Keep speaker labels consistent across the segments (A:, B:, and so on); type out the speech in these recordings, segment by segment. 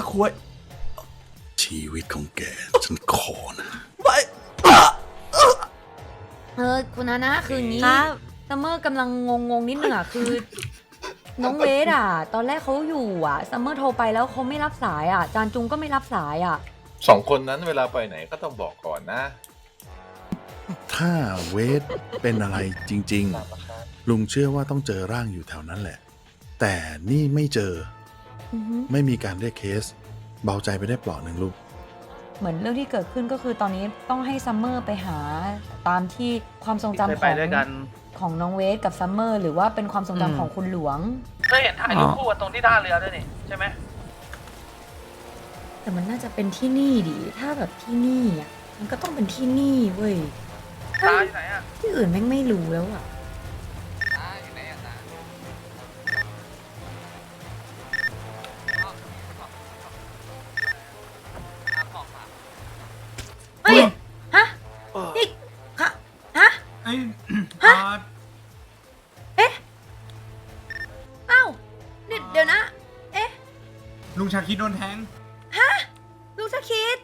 A: ควายชีวิตของแกฉันขอนะไป
B: คุณนะคืองี้
C: ครับ
B: ซัมเมอร์กำลังงงนิดหนึ่งอ่ะคือ น้องเวทอ่ะ ตอนแรกเขาอยู่อ่ะซัมเมอร์โทรไปแล้วเขาไม่รับสายอ่ะจานจุงก็ไม่รับสายอ่ะ
D: 2 คนนั้นเวลาไปไหนก็ต้องบอกก่อนนะ
A: ถ้าเวทเป็นอะไรจริงๆลุงเชื่อว่าต้องเจอร่างอยู่แถวนั้นแหละ แต่นี่ไม่เจอ
B: อือฮึ
A: ไม่มีการเรียกเคส เบาใจไปได้เปลาะหนึ่งลูก
B: เหมือนเรื่องที่เกิดขึ้นก็คือตอนนี้ต้องให้ซัมเมอร์ไปหาตามที่ความทรงจำ
E: เคย
B: ข
E: ไป
B: อง
E: ด้วยกัน
B: ของน้องเวทกับซัมเมอร์หรือว่าเป็นความทรงจำของคุณหลวง
E: เคยเห็นถ่ายรูปคู่กันตรงที่ท่าเรือด้วยนี่ใช่ไหม
B: แต่มันน่าจะเป็นที่นี่ดิถ้าแบบที่นี่อ่ะมันก็ต้องเป็นที่นี่เว้ย
E: ตาอยู่ไหนอ่ะ
B: ที่อื่นแม่งไม่รู้แล้วอ่ะเฮ้ยฮะนี่ฮะฮะ
F: เอ้ย
B: เอ๊ะอ้าวนี่เดี๋ยวนะ เอ๊ะ
F: ลุงชาคิดโดนแทง
B: ลูกสะคิด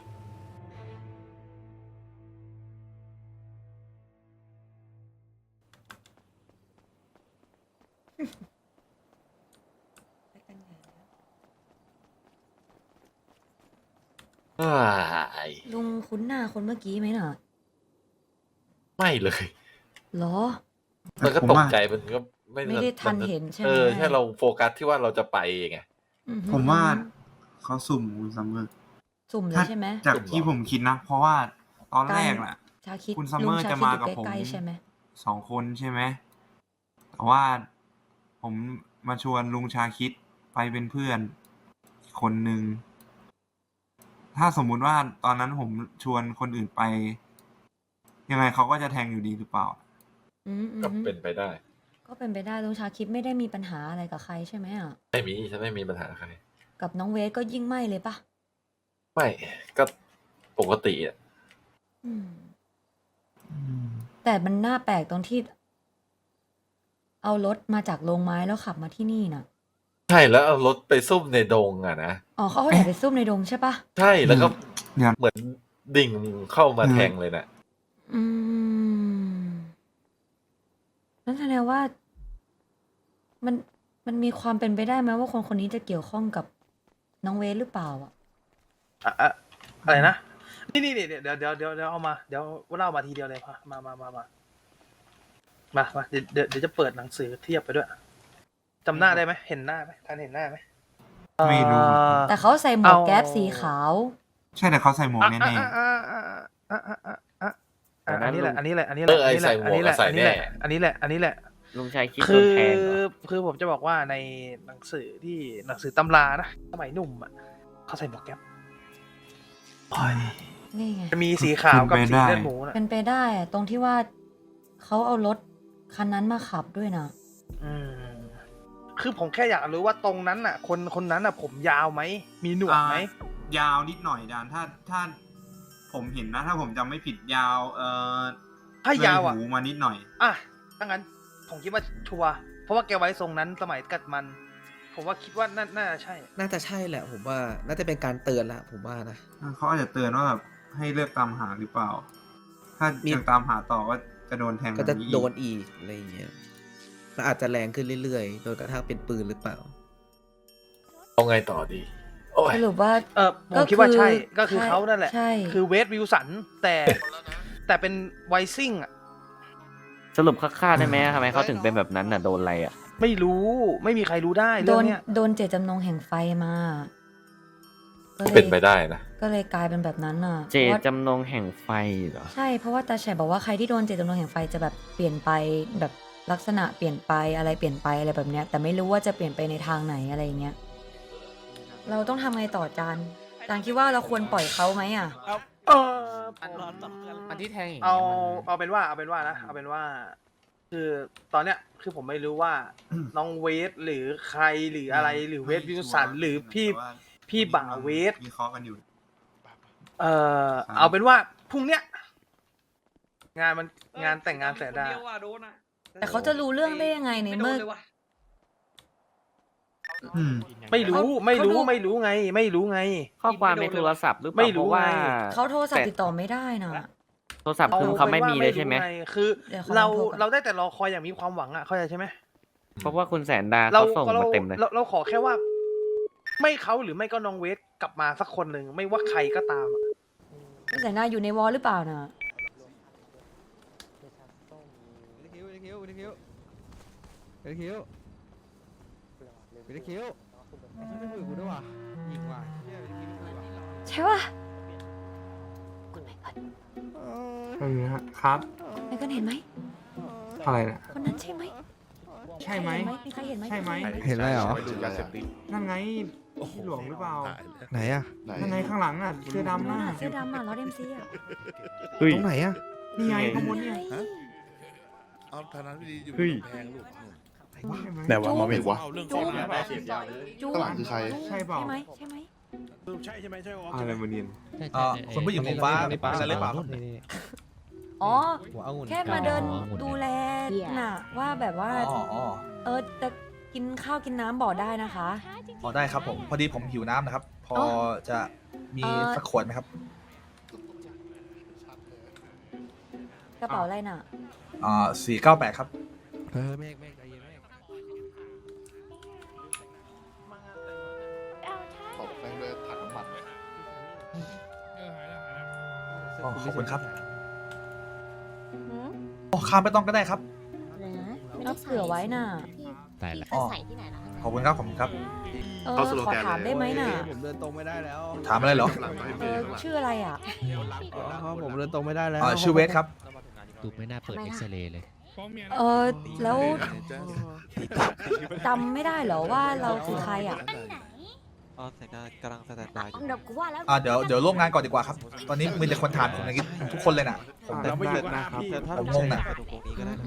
B: ลุงคุ้นหน้าคนเมื่อกี้ไหมน่ะ
D: ไม่เลย
B: เหรอ
D: มันก็ตกใจมันก็
B: ไม่ได้ทันเห็นใช่ไหม
D: ใช่เราโฟกัสที่ว่าเราจะไปไง
B: อือฮึ
F: ผมว่าเขาสุ่มคุณซัมเมอร์
B: สุ่มเลยใช่ไหม
F: จากที่ผมคิดนะ เพราะว่าตอนแรกน่ะ
B: ชาคิด
F: คุณซัมเมอร์
B: ลุงช
F: จะมา
B: คิด
F: กับ
B: อยู่
F: ผม
B: ใกล้ๆใช่ไหม
F: 2 คนใช่ไหม แต่ว่าผมมาชวนลุงชาคิดไปเป็นเพื่อนอีกคนหนึ่ง ถ้าสมมุติว่าตอนนั้นผมชวนคนอื่นไป ยังไงเขาก็จะแทงอยู่ดีหรือเปล่า
B: อืมอืม
D: ก็เป็นไปได้
B: ก็เป็นไปได้ลุงชาคิดไม่ได้มีปัญหาอะไรกับใครใช่ไหมอ่ะ
D: ไม่มีฉันไม่มีปัญหาใคร
B: กับน้องเวทก็ยิ่งไม่เลยปะ
D: ไม่ก็ปกติอ่ะ
B: อืม แต่มันน่าแปลกตรงที่ เอารถมาจากโรงไม้แล้วขับมาที่นี่น่ะ
D: ใช่แล้วเอารถไปซุ่มในดงอ่ะนะ
B: อ๋อเขาเอาแต่ไปซุ่มในดงใช่ปะ
D: ใช่แล้วก็
F: เนี่ย
D: เหมือนดิ่งเข้ามาแทงเลยนะ
B: อืมนั่นแสดงว่า มันมีความเป็นไปได้ไหมว่าคนคนนี้จะเกี่ยวข้องกับน้องเวทหรือเปล่าอ่ะ
E: อะไรนะ นี่เดี๋ยวเอามา เดี๋ยวเล่ามาทีเดียวเลยมาเดี๋ยวจะเปิดหนังสือเทียบไปด้วยจำหน้าได้ไหมเห็นหน้าไหมทันเห็นหน้าไหม
F: ไม่รู้
B: แต่เขาใส่หมวกแก๊ปสีขาว
F: ใช่แต่เขาใส่หมวกแน่
E: อันนี้แหละ อันนี้แหละ อันนี้แหละ
G: ลุงชายคิดโด
E: คื
G: น
E: อ
G: แทงเหรอ
E: คือผมจะบอกว่าในหนังสือตำรานะสมัยหนุ่มอ่ะเขาใส่หมวกแก๊ป
B: นี่ไง
E: จะมีสีขาวกับสีเลือดหมูนะ
B: เป็นไปได้อะตรงที่ว่าเขาเอารถคันนั้นมาขับด้วยนะ
E: คือผมแค่อยากรู้ว่าตรงนั้นน่ะ คนนั้นน่ะ ผมยาวไหมมีหนวดไหม
F: ยาวนิดหน่อยดานถ้าผมเห็นนะ ถ้าผมจำไม่ผิดยาว
E: ถ้ายาวอ่ะ
F: เลยหูมานิดหน่อย
E: อ่ะถ้างั้นผมคิดว่าชัวร์เพราะว่าแกไว้ทรงนั้นสมัยกัดมัน ผมว่าคิดว่าน่าจะใช่
H: น่าจะใช่แหละผมว่าน่าจะเป็นการเตือนละผมว่านะ
F: เขาอาจจะเตือนว่าแบบให้เลิกตามหาหรือเปล่า ถ้า
H: มี
F: ยังตามหาต่อก็จะโดนแทง
H: ก็จะ
F: แบบนี้
H: โดนอีกอะไรอย่างเงี้ยแล้วอาจจะแรงขึ้นเรื่อยๆ โดยกระทั่งเป็นปืนหรือเปล่า
D: เอาไงต่อดี โอ้ย
B: สรุปว่า
E: ผมคิดว่าใช่ ก็คือเขานั่นแหละ
B: ใช่
E: คือเวสวิลสันแต่เป็นไวซิ่งอ่ะ
G: สรุปค่าได้ไหมทำไมเขาถึงเป็นแบบนั้นน่ะโดนอะไรอ่ะ
E: ไม่รู้ไม่มีใครรู้ได้
B: โด
E: เรื่อง
B: น
E: เนี้ย
B: โดนเจตจำนงแห่งไฟมาก็เลย
D: เป็นไปได้นะ
B: ก็เลยกลายเป็นแบบนั้นน่ะ
G: เจ
B: พราะว่า
G: จำนงแห่งไฟเหรอ
B: ใช่เพราะว่าตาแฉบอกว่าใครที่โดนเจตจำนงแห่งไฟจะแบบเปลี่ยนไปแบบลักษณะเปลี่ยนไปอะไรเปลี่ยนไปอะไรแบบเนี้ย แต่ไม่รู้ว่าจะเปลี่ยนไปในทางไหนอะไรอย่างเงี้ยเราต้องทำไงต่อจานคิดว่าเราควรปล่อยเขาไหมอ่ะ
E: เออผม
H: อันที่แทงอย่าง
E: เอาเป็นว่าคือตอนเนี้ยคือผมไม่รู้ว่าน้องเวสหรือใครหรืออะไรหรือเวสวิลสันหรือพี่บ่าวเวส
F: มีเคาะกันอยู่
E: เอาเป็นว่าพรุ่งเนี้ยงานแต่งงานแสนดา
B: แต่เขาจะรู้เรื่องได้ยังไงในเมื่อ
E: ไม่รู้ไม่รู้ไง ไม่รู้ไง
G: ข้อความในโทรศัพท์หรือเป
E: ไม่
G: ล่า
E: รู้
G: เพราะว่า
E: ไง
B: เขาโทรศัพท์ติดต่อไม่ได้นะ
G: โทรศัพท์คือเขาไม่มีเลยใช่ไหม
E: อาป็นว่ารู้งคือ
B: เดี๋ยวเขาล
E: เรา
B: องโทรก่อน
E: เราได้แต่รอคอยอย่างมีความหวังอ่ะเข้าใจใช่ไหม
G: เพราะว่าคุณแสนดา
E: เรา
G: เขาส่ง
E: เรา
G: มาเต็มเลย
E: เราขอแค่ว่า ไม่เขาหรือไม่ก็น้องเวทกลับมาสักคนหนึ่งไม่ว่าใครก็ตามอะ
B: คุณแสนดาอยู่ในวอลหรือเปล่านะ ใช่ปะคุณไมเคิล
F: ครับ
B: ไมเคิลเห็นไหม
F: อะไรนะ
B: คนนั้นใช่ไหม
F: ใช่ไหม
B: มีใครเห็นไหม
F: ใช่ไหม
C: เห็นอะไรเหรอ
F: นั่นไงพี่หลวงหรือเปล่า
C: ไหนอะ
F: นั่นไงข้างหลังอ่ะเสื้อดำ
B: นั่น
F: น่ะ
B: น่ะเสื้อดำอ่ะล้อเดมซีอ่ะ
G: เฮ้ย
C: ตรงไหนอะ
F: นี่ไงข้างบนเนี่ย
A: เอาทางนั้นไม่ดีอยู่
G: เฮ้ย
A: แพงลูก
F: ใช่ไหม
A: แต่ว่ามาเป็นวะ
B: จูนจู
C: ข้างหลังคือใคร
F: ใช่เปล่า
B: ใช่ไหมใช่ไหม
F: อะไรมาเนียน
C: คนผู้หญิงผมฟ้าใช่หรือเปล่า
B: อ๋อ
C: หัวองุ่น
B: แค่มาเดินดูแลน่ะ ว่าแบบว่า จะกินข้าวกินน้ำบอกได้นะคะ
C: พอได้ครับผม พอดีผมหิวน้ำนะครับ พอจะมีสักขวดไหมครับ
B: กระเป๋าอะไรน่ะ
C: 498 ครับ
A: ขอบแป้งด้วยถังน้ำมัน
C: ขอบคุณครับโอ้ข้ามไม่ต้องก็ได้ครับ
B: ก็เผื่อไว้น่ะ
I: ได้ละ
C: อ๋อ ขอบคุณครับ ขอบคุณครับ
B: ขอถามได้ไหมน่ะ
J: ผมเดินตรงไม่ได้แล้ว
C: ถามอะไรเหรอ
B: ชื่ออะไรอ่ะ
J: เพราะผมเดินตรงไม่ได้แล้ว
C: ชื่อเวทครับ
I: ดูไม่น่าเปิดเอ็กซเรย์เลย
B: แล้วจำไม่ได้เหรอว่าเราคือใครอ่ะ
J: อ๋อแต่กำลังสแตนบายอยู่
B: เดี๋ยวกูว่าแล้ว
C: เดี๋ยวร่วมงานก่อนดีกว่าครับ ตอนนี้มีแต่คนถามผมอย่างนี้ทุกคนเลยน่ะ ผม
F: แต่ไม่หยุดนะครับ
J: แต่ถ้า
C: ผมงงน่ะ
J: ตรงนี้ก็ได้นะ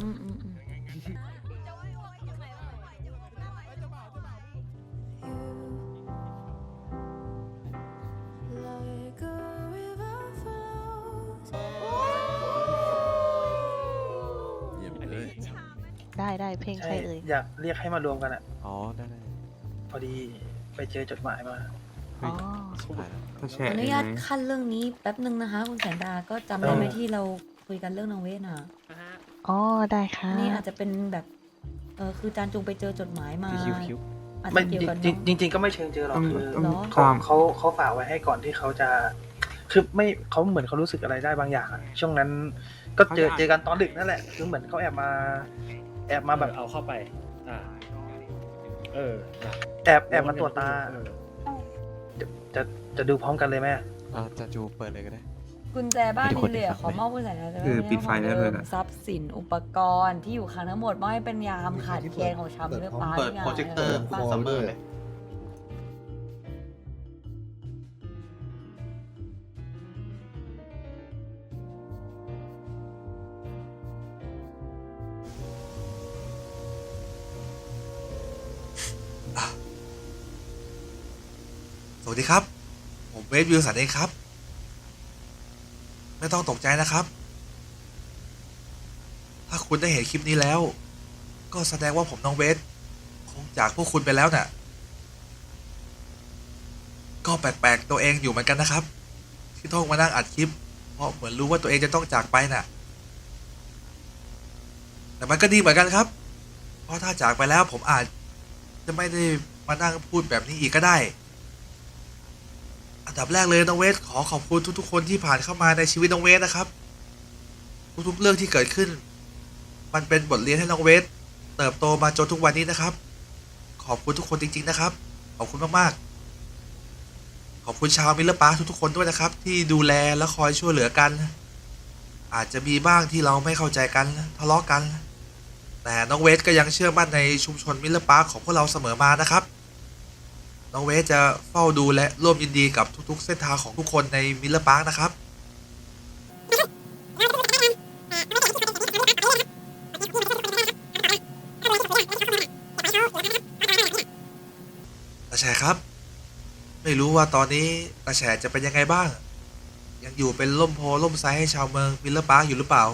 A: เยี่ยมเลย
K: ได้เพลงใครเอ่ย
E: อยากเรียกให้มารวมกันอ่ะ
J: อ๋อ ได้
E: พอดีไปเจอจดหมายมา
K: อ๋อ
J: สุดท้ายแล้ว
F: ก็แช
B: ขอ
F: ร์
B: อนุ
F: เอง
B: ญาต
F: ไหม
B: ขั้นเรื่องนี้แป๊บนึงนะคะคุณแสนดาก็จำได้ไหมที่เราคุยกันเรื่องน้องเวทน่ะ
K: อ๋อ ได้ค่ะ
B: นี่อาจจะเป็นแบบ คือจานจุงไปเจอจดหมายมา
J: คิว
B: อาจ
E: ไม่
B: จะเกี่ยวกับ
E: จริง ๆ ก็ไม่เชิงเจอหรอก
F: ต้อง
E: คือ
F: ต้อง
B: เหรอ
F: ตาม
E: เขาฝากไว้ให้ก่อนที่เขาจะ คือไม่เขาเหมือนเขารู้สึกอะไรได้บางอย่างอะช่วงนั้นก็เจอกันตอนดึกนั่นแหละคือเหมือนเขาแอบมาแบบ
J: เอาเข้าไป
E: แอบมาตรวจตาจะดูพร้อมกันเลยไหม
J: จะจูเปิดเลยก็ได้
B: กุญแจบ้านนี่เลยอะขอมอบคุณแสนดา
F: คือปิดไฟได้เลยนะ
B: ทรัพย์สินอุปกรณ์ที่อยู่ครั้งทั้งหมดมอบให้เป็นยามขาดแคลนของชาวเรือปลา
C: เปิดโปรเจคเตอร์
B: บ้าน
C: ซัมเมอร์เลย สวัสดีครับ ผมเวทวิลสันเองครับ ไม่ต้องตกใจนะครับ ถ้าคุณได้เห็นคลิปนี้แล้ว ก็แสดงว่าผมน้องเวทคงจากพวกคุณไปแล้วน่ะ ก็แปลกๆตัวเองอยู่เหมือนกันนะครับ ที่ต้องมานั่งอัดคลิป เพราะเหมือนรู้ว่าตัวเองจะต้องจากไปน่ะ แต่มันก็ดีเหมือนกันครับ เพราะถ้าจากไปแล้วผมอาจจะไม่ได้มานั่งพูดแบบนี้อีกก็ได้ อันดับแรกเลยน้องเวทขอขอบคุณทุกๆคนที่ผ่านเข้ามาในชีวิตน้องเวทนะครับ ทุกๆเรื่องที่เกิดขึ้น มันเป็นบทเรียนให้น้องเวทเติบโตมาจนทุกวันนี้นะครับ ขอบคุณทุกคนจริงๆนะครับ ขอบคุณมากๆขอบคุณชาวมิลเลอร์ปาร์คทุกๆคนด้วยนะครับ ที่ดูแลและคอยช่วยเหลือกัน อาจจะมีบ้างที่เราไม่เข้าใจกันทะเลาะกัน แต่น้องเวทก็ยังเชื่อมั่นในชุมชนมิลเลอร์ปาร์คของพวกเราเสมอมานะครับ น้องเวทจะเฝ้าดูและร่วมยินดีกับทุกๆเส้นทางของทุกคนในมิลเลอร์ปาร์คนะครับตาแฉครับ ไม่รู้ว่าตอนนี้ตาแฉจะเป็นยังไงบ้าง ยังอยู่เป็นร่มโพล่มไซให้ชาวเมืองมิลเลอร์ปาร์คอยู่หรือเปล่า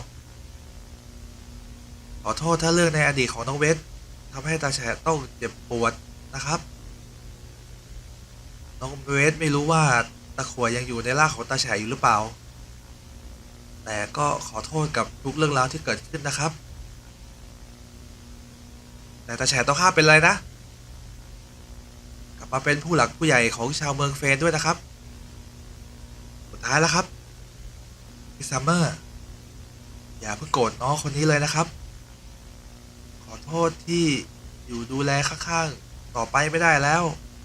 C: ขอโทษถ้าเรื่องในอดีตของน้องเวททำให้ตาแฉต้องเจ็บปวดนะครับน้องเวทไม่รู้ว่าตะขวยังอยู่ในร่างของตาแฉอยู่หรือเปล่า แต่ก็ขอโทษกับทุกเรื่องราวที่เกิดขึ้นนะครับ แต่ตาแฉต้องห้ามเป็นไรนะ กลับมาเป็นผู้หลักผู้ใหญ่ของชาวเมืองเฟนด้วยนะครับ สุดท้ายแล้วครับพี่ซัมเมอร์ อย่าเพิ่งโกรธน้องคนนี้เลยนะครับ ขอโทษที่อยู่ดูแลข้างๆต่อไปไม่ได้แล้ว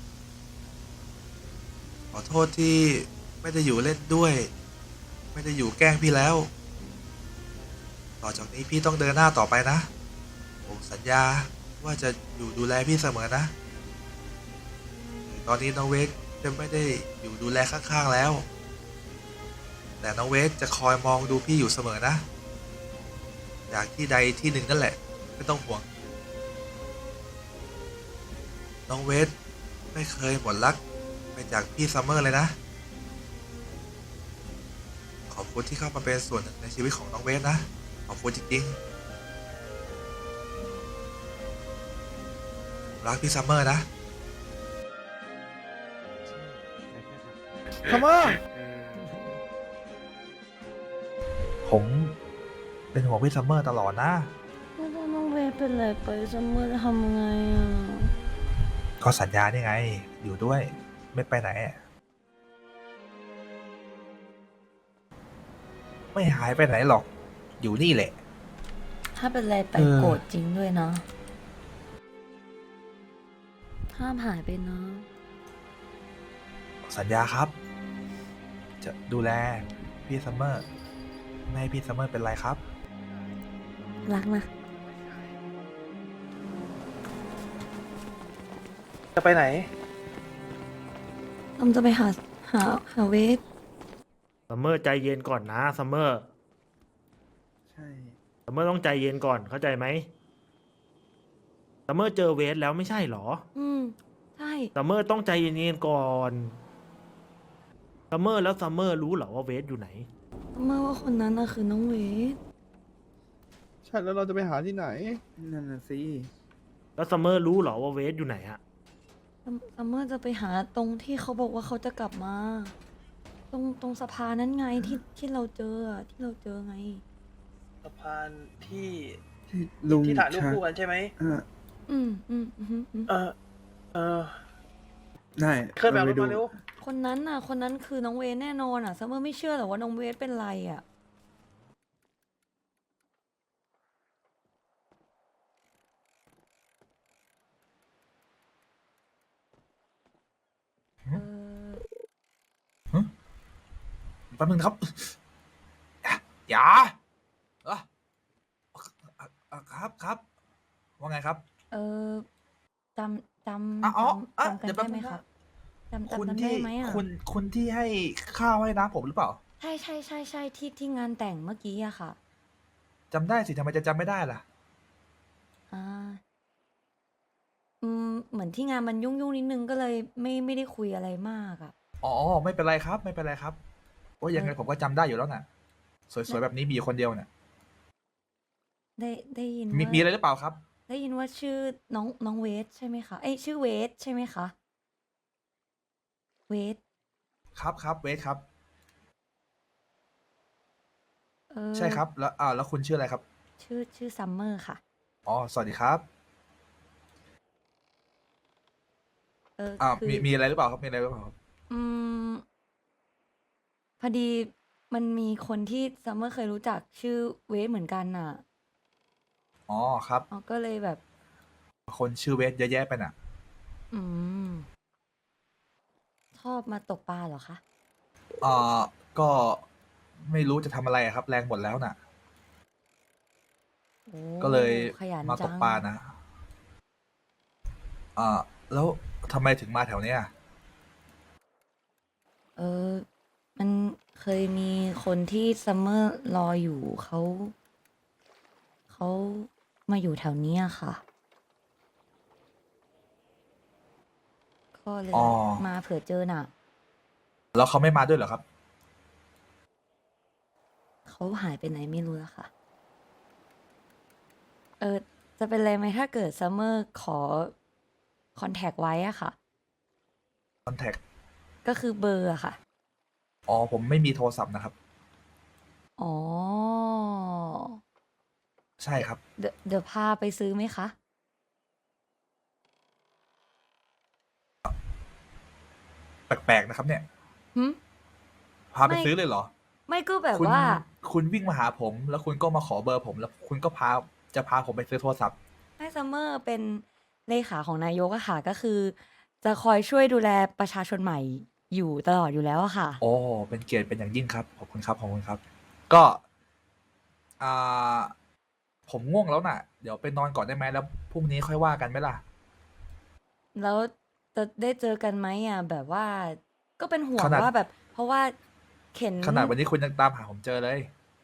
C: ขอโทษที่ไม่ได้อยู่เล่นด้วย ไม่ได้อยู่แกล้งพี่แล้ว ต่อจากนี้พี่ต้องเดินหน้าต่อไปนะ ผมสัญญาว่าจะอยู่ดูแลพี่เสมอนะถึงตอนนี้น้องเวกจะไม่ได้อยู่ดูแลข้างๆแล้ว แต่น้องเวกจะคอยมองดูพี่อยู่เสมอนะ อยากที่ใดที่หนึ่งนั่นแหละไม่ต้องห่วง น้องเวทไม่เคยหมดรักไปจากพี่ซัมเมอร์เลยนะ ขอบคุณที่เข้ามาเป็นส่วนหนึ่งในชีวิตของน้องเวทนะ ขอบคุณจริงๆรักพี่ซัมเมอร์นะ
E: ซัมเมอร์ ผมเป็นห่วงพี่ซัมเมอร์ตลอดนะ
B: ถ้าน้องเวทเป็นอะไรไปซัมเมอร์จะทำไงอ่ะ
E: ก็สัญญานี่ไง อยู่ด้วยไม่ไปไหน ไม่หายไปไหนหรอก อยู่นี่แหละ
B: ถ้าเป็นอะไรไปโกรธจริงด้วยนะ ห้ามหายไปนะ
E: สัญญาครับ จะดูแลพี่ซัมเมอร์ไม่ให้พี่ซัมเมอร์เป็นไรครับ
B: รักนะ
E: จะไปไหน
B: อมจะไปหาเวท
L: ซัมเมอร์ใจเย็นก่อนนะซัมเมอร์
H: ใช่
L: ซัมเมอร์ต้องใจเย็นก่อนเข้าใจไหมซัมเมอร์เจอเวทแล้วไม่ใช่เหรอ
B: ใช่
L: ซัมเมอร์ต้องใจเย็นๆก่อนซัมเมอร์แล้วซัมเมอร์รู้เหรอว่าเวทอยู่ไหน
B: ซัมเมอร์ว่าคนนั้นน่ะคือน้องเวท
H: ใช่แล้วเราจะไปหาที่ไหน นั่นน่ะสิ
L: แล้วซัมเมอร์รู้เหรอว่าเวทอยู่ไหนอะ
B: ซัมเมอร์จะไปหาตรงที่เขาบอกว่าเขาจะกลับมา ตรงสะพานนั้นไงที่เราเจออะที่เราเจอไง
E: สะพานที่
H: ลุง
E: ที่ถ่ายรูปคู่กันใช่ไหม
B: อืม
E: เออ
H: ได้
E: เคลื่อนแบบรถมาเร็ว
B: คนนั้นคือน้องเวทแน่นอนอ่ะซัมเมอร์ไม่เชื่อหรอกว่าน้องเวทเป็นไรอ่ะ
E: แป๊บนึงนะครับ อย่าครับ ว่าไงครับ
B: จำ
E: อ๋อ
B: จำกัน
E: เดี๋ยวแป๊
B: ได้
E: บ
B: ไหม
E: นึงนะครับ
B: จำ
E: คุณ
B: กันได้
E: ที่
B: ไหมอ่ะ
E: คุณที่ให้ข้าวให้น้ำผมหรือเปล่า
B: ใช่ที่งานแต่งเมื่อกี้อะค่ะ
E: จำได้สิทำไมจะจำไม่ได้ล่ะ
B: อ่าเหมือนที่งานมันยุ่งนิดนึงก็เลยไม่ได้คุยอะไรมากอ่ะ
E: อ๋อ ไม่เป็นไรครับ ไม่เป็นไรครับโอ้ยยังไงผมก็จำได้อยู่แล้วน่ะ สวยๆแบบนี้มีอยู่คนเดียวน่ะ
B: ได้ยิน
E: มี
B: ว่า
E: มีอะไรหรือเปล่าครับ
B: ได้ยินว่าชื่อน้องเวทใช่ไหมคะเอ้ยชื่อเวทใช่ไหมคะเวท
E: ครับเวทครับ
B: เออ
E: ใช่ครับ แล้วคุณชื่ออะไรครับ
B: ชื่อซัมเมอร์ค่ะ
E: อ๋อ สวัสดีครับ
B: คือ
E: มีอะไรหรือเปล่าครับ มีอะไรหรือเปล่าครับ
B: อืมพอดีมันมีคนที่ซัมเมอร์เคยรู้จักชื่อเวทเหมือนกันน่ะ
E: อ๋อ ครับ
B: อ๋อก็เลยแบบ
E: คนชื่อเวทเยอะแยะไปน่ะ
B: อืม ชอบมาตกปลาเหรอคะ
E: ก็ไม่รู้จะทำอะไรอะครับ แรงหมดแล้วน่ะ
B: โอ้
E: ก็เลย
B: ขยัน
E: มาต
B: จั
E: ก
B: ง
E: ปลานะ แล้วทำไมถึงมาแถวเนี้ย
B: มันเคยมีคนที่ซัมเมอร์รออยู่เขามาอยู่แถวเนี้ยค่ะ ก็เลย
E: อ๋อ
B: มาเผื่อเจอน่ะ
E: แล้วเขาไม่มาด้วยเหรอครับ
B: เขาหายไปไหนไม่รู้แล้วค่ะ จะเป็นไรไหมถ้าเกิดซัมเมอร์ขอคอนแทคไว้อะค่ะ
E: คอนแทค
B: ก็คือเบอร์อะค่ะ
C: อ๋อผมไม่มีโทรศัพท์นะครับ
B: อ๋อ
C: ใช่ครับ
B: เดี๋ยวพาไปซื้อไหมคะ
C: แปลกๆนะครับ เนี่ย
B: หึ
C: พาไป
B: ไม่
C: ซื้อเลยเหรอ
B: ไม่ก็แบบ
C: คุณ
B: ว่า
C: คุณวิ่งมาหาผม แล้วคุณก็มาขอเบอร์ผม แล้วคุณก็จะพาผมไปซื้อโทรศัพท์
B: ให้ซัมเมอร์เป็นเลขาของนายกอะค่ะ ก็คือ จะคอยช่วยดูแลประชาชนใหม่อยู่ตลอดอยู่แล้วอะค่ะ
C: โอ้เป็นเกียรติเป็นอย่างยิ่งครับ ขอบคุณครับ ขอบคุณครับ ก็ อ่า ผมง่วงแล้วน่ะ เดี๋ยวไปนอนก่อนได้ไหม แล้วพรุ่งนี้ค่อยว่ากันไหมล่ะ
B: แล้วจะได้เจอกันไหมอะแบบว่า ก็เป็นห่ว
C: ข
B: ง
C: นาด
B: ว่าแบบ เพราะว่าเข็น
C: ขนาดวันนี้คุณยังตามหาผมเจอเลย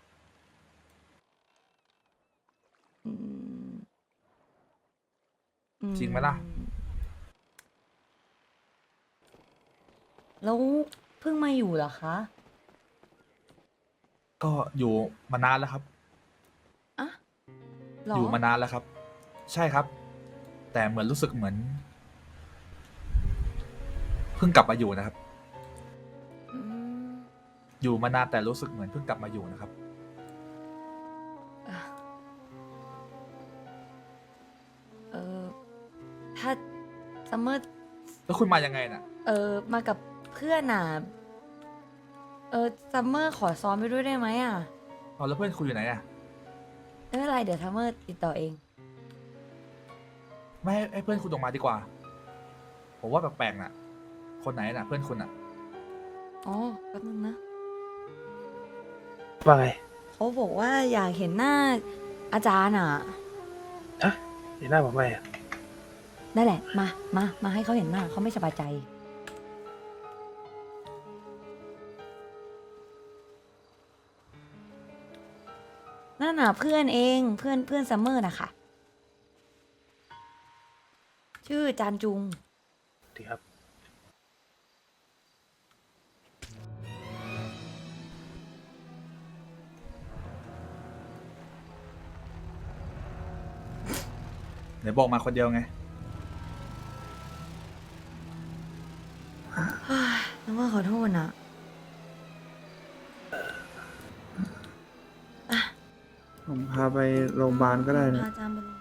B: อืม อื
C: จริงไหมล่ะ
B: แล้วเพิ่งมาอยู่เหรอคะ
C: ก็อยู่มานานแล้วครับ
B: อะเหรอ
C: อยู่มานานแล้วครับ ใช่ครับ แต่เหมือนรู้สึกเหมือน เพิ่งกลับมาอยู่นะครับ
B: อืม
C: อยู่มานานแต่รู้สึกเหมือนเพิ่งกลับมาอยู่นะครับ
B: อ่ะถ้าซัมเมอร์
C: แล้วคุณมายังไงน่ะ
B: มากับเพื่อนน่ะ ซัมเมอร์ขอซ้อมไปด้วยได้ไหมอ่ะ
C: เอาแล้วเพื่อนคุณอยู่ไหนอ่ะ
B: ไม่เป็นไร เดี๋ยวซัมเมอร์ติดต่อเอง
C: ไม่ให้เพื่อนคุณออกมาดีกว่า ผมว่าแปลกๆน่ะ คนไหนน่ะ เพื่อนคุณอ่ะ
B: อ๋อ แป๊บนึงนะ
E: ว่าไง
B: เขาบอกว่าอยากเห็นหน้าอาจารย์อ่ะ
E: ฮะเห็นหน้าผมไหมอะ
B: นั่นแหละ มาให้เขาเห็นหน้าเขาไม่สบายใจ นั่นน่ะเพื่อนเองเพื่อนซัมเมอร์นะคะชื่อจานจุง
E: ดีครับ
C: ไหนบอกมาคนเดียวไง
B: ซัมเมอร์ขอโทษนะ
H: ผมพาไปโรงพยาบาลก็ได้นะ
B: พาอาจารย์ไปโรงพยาบาล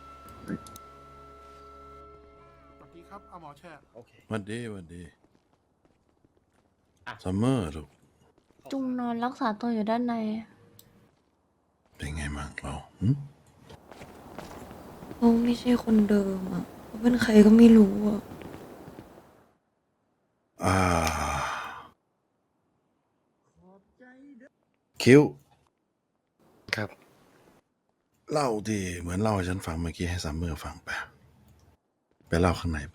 A: สวัสดีครับเอาหมอแช่โอเคสวัสดีซัมเมอร์ลูก
K: จุงนอนรักษาตัวอยู่ด้านใน
A: เป็นไงบ้างเรา
B: เขาไม่ใช่คนเดิมอ่ะเขาเป็นใครก็ไม่รู้อ่ะ
A: คิว
D: ครับ
A: เล่าที่เหมือนเล่าให้ฉันฟังเมื่อกี้ให้ซัมเมอร์ฟังไปเล่าข้างในไป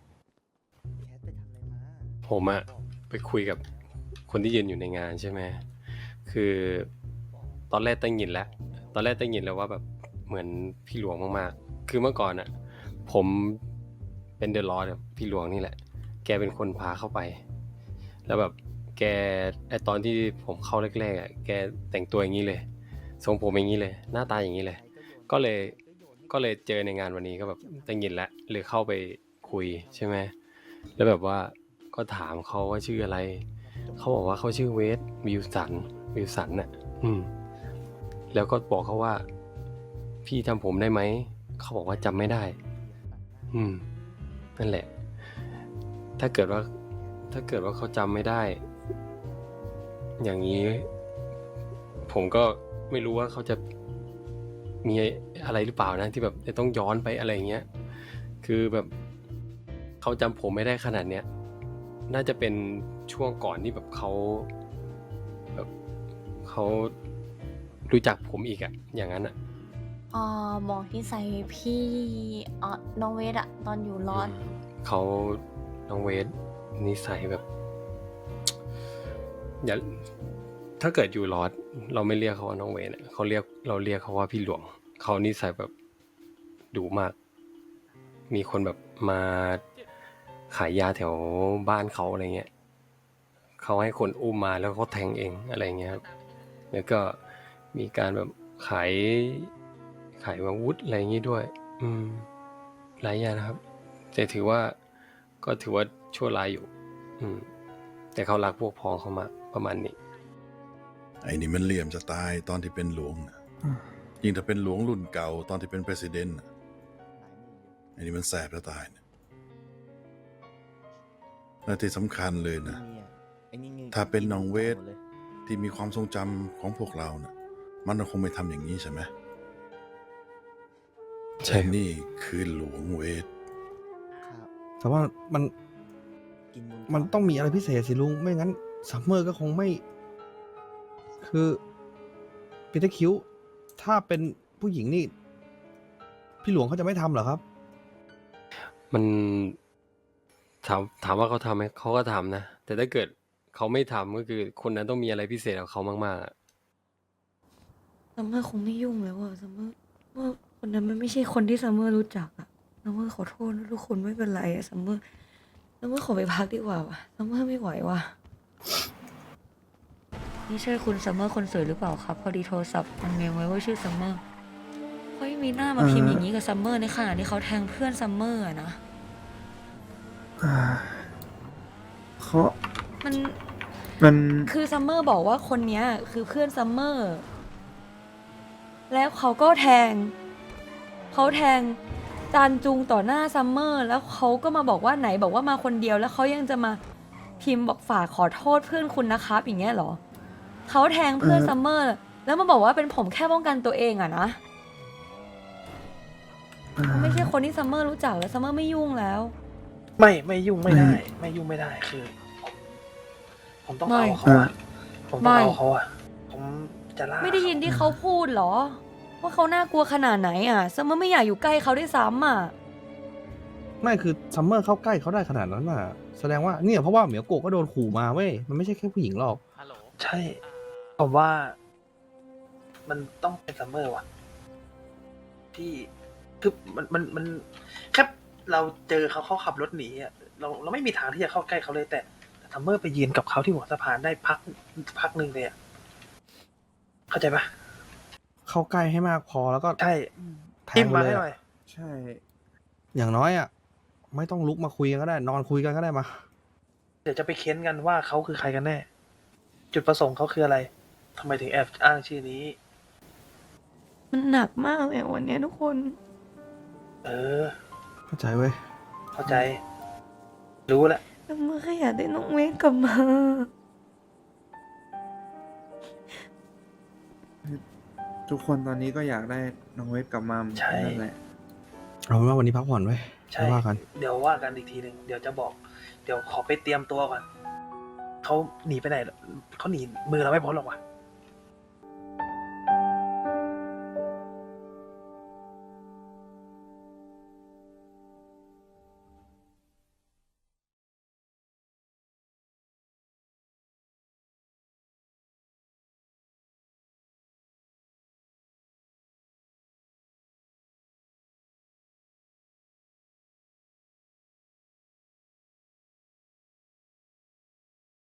M: ผมอะไปคุยกับคนที่ยืนอยู่ในงานใช่ไหม คือตอนแรกตั้งยินแล้วว่าแบบเหมือนพี่หลวงมากๆ คือเมื่อก่อนอะผมเป็นเดอะลอร์ดกับพี่หลวงนี่แหละ แกเป็นคนพาเข้าไป แล้วแบบแกตอนที่ผมเข้าแรกๆอะแกแต่งตัวอย่างนี้เลย ทรงผมอย่างนี้เลย หน้าตาอย่างนี้เลย ก็เลยเจอในงานวันนี้ก็แบบตั้งยินแล้วเลยเข้าไปคุยใช่ไหม แล้วแบบว่าก็ถามเขาว่าชื่ออะไร เขาบอกว่าเขาชื่อเวสวิลสันน่ะแล้วก็บอกเขาว่าพี่จำผมได้ไหม เขาบอกว่าจำไม่ได้ นั่นแหละ ถ้าเกิดว่าเขาจำไม่ได้ อย่างนี้ ผมก็ไม่รู้ว่าเขาจะมีอะไรหรือเปล่านะที่แบบจะต้องย้อนไปอะไรอย่างเงี้ย คือแบบเขาจำผมไม่ได้ขนาดเนี้ย น่าจะเป็นช่วงก่อนที่แบบเขารู้จักผมอีกอะอย่างนั้นอะ
K: บอกที่ใส่พี่น้องเวทอะตอนอยู่รอด
M: เขาน้องเวสนิสัยแบบ อย่าถ้าเกิดอยู่รอดเราไม่เรียกเขาว่าน้องเวสเราเรียกเขาว่าพี่หลวง เขานิสัยแบบดุมาก มีคนแบบมาขายยาแถวบ้านเขาอะไรเงี้ยเขาให้คนอุ้มมาแล้วเขาแทงเองอะไรเงี้ยครับแล้วก็มีการแบบขายอาวุธอะไรอย่างงี้ด้วยหลายอย่างนะครับแต่ถือว่าชั่วร้ายอยู่แต่เขารักพวกพ้องเขามากประมาณนี้
A: ไอ้นี่มันเหลี่ยมจะตายตอนที่เป็นหลวงนะยิ่งถ้าเป็นหลวงรุ่นเก่าตอนที่เป็นประธานนะไอ้นี่มันแสบจะตายนะและที่สำคัญเลยนะ ถ้าเป็นน้องเวทที่มีความทรงจำของพวกเรานะมันคงไม่ทำอย่างนี้ใช่ไหม
M: ใช่
A: แต่นี่คือหลวงเวท
H: แต่ว่ามันต้องมีอะไรพิเศษสิลุง ไม่งั้นซัมเมอร์ก็คงไม่ คือปีเตอร์คิวถ้าเป็นผู้หญิงนี่ พี่หลวงเขาจะไม่ทำเหรอครับ
M: มันถามว่าเขาทำไหมเขาก็ทำนะ แต่ถ้าเกิดเขาไม่ทำก็คือคนนั้นต้องมีอะไรพิเศษกับเขามากๆอะ
B: ซัมเมอร์คงไม่ยุ่งแล้วอะซัมเมอร์ว่าคนนั้นมันไม่ใช่คนที่ซัมเมอร์รู้จักอะซัมเมอร์ขอโทษนะทุกคนไม่เป็นไรอะซัมเมอร์ขอไปพักดีกว่าว่ะซัมเมอร์ไม่ไหวว่ะนี่ใช่คุณซัมเมอร์คนสวยหรือเปล่าครับ พอดีโทรศัพท์มันเมลไว้ว่าชื่อซัมเมอร์เขาไม่มีหน้ามาพิมพ์อย่างนี้กับซัมเมอร์ในขณะที่เขาแทงเพื่อนซัมเมอร์อะนะ
E: เขา
B: มันคือซัมเมอร์บอกว่าคนเนี้ยคือเพื่อนซัมเมอร์แล้วเขาก็แทงจานจุงต่อหน้าซัมเมอร์แล้วเขาก็มาบอกว่าไหนบอกว่ามาคนเดียวแล้วเขายังจะมาพิมพ์บอกฝากขอโทษเพื่อนคุณนะครับอย่างเงี้ยเหรอเขาแทงเพื่อนซัมเมอร์แล้วมาบอกว่าเป็นผมแค่ป้องกันตัวเองอะนะเขาไม่ใช่คนที่ซัมเมอร์รู้จักแล้วซัมเมอร์ไม่ยุ่งแล้ว
E: ไม่ยุ่งไม่ได้ ไม่ยุ่งไม่ได้คือ ผมต้องเอาเขาอะผมต้องเอาเขาอะผมจะล่า
B: ไม่ได้ยินที่เขาพูดเหรอว่าเขาน่ากลัวขนาดไหนอ่ะซัมเมอร์ไม่อยากอยู่ใกล้เขาด้วยซ้ำอ่ะ
H: ไม่คือซัมเมอร์เข้าใกล้เขาได้ขนาดนั้นน่ะ แสดงว่าเนี่ยเพราะว่าเหมียวโกะก็โดนขู่มาเว้ย มันไม่ใช่แค่ผู้หญิงหรอก
E: ใช่ ผมว่า มันต้องเป็นซัมเมอร์ว่ะที่คือมันแค่เราเจอเขาขับรถหนีอ่ะเราไม่มีทางที่จะเข้าใกล้เขาเลยแต่ซัมเมอร์ไปยืนกับเขาที่หัวสะพานได้พักหนึ่งเลยอ่ะเข้าใจปะ
H: เข้าใกล้ให้มากพอแล้วก็
E: ใช่
H: แท
E: จิ้
H: ง
E: ม
H: ไป
E: มา
H: เล
E: ให้
H: ย
E: หน่อย
H: อะใช่ อย่างน้อยอ่ะ ไม่ต้องลุกมาคุยกันก็ได้ นอนคุยกันก็ได้มา
E: เดี๋ยวจะไปเค้นกันว่าเขาคือใครกันแน่ จุดประสงค์เขาคืออะไรทำไมถึงแอบอ้างชื่อนี้
B: มันหนักมากเลยวันนี้ทุกคน
E: เออ
H: เข้าใจเว้ย
E: เข้าใจ รู้แล้ว
B: ซัมเมอร์แค่อยากได้น้องเวทกลับมา
N: ทุกคนตอนนี้ก็อยากได้น้องเวฟกลับมา
E: ใช่
N: นั่นแหละ
H: เอาเป็นว่าวันนี้พักผ่อนไว้
E: ใช่
H: ไม่ว่ากัน
E: เดี๋ยวว่ากันอีกทีหนึ่งเดี๋ยวจะบอก เดี๋ยวขอไปเตรียมตัวก่อนเขาหนีไปไหนเขาหนีมือเราไม่พ้นหรอกวะ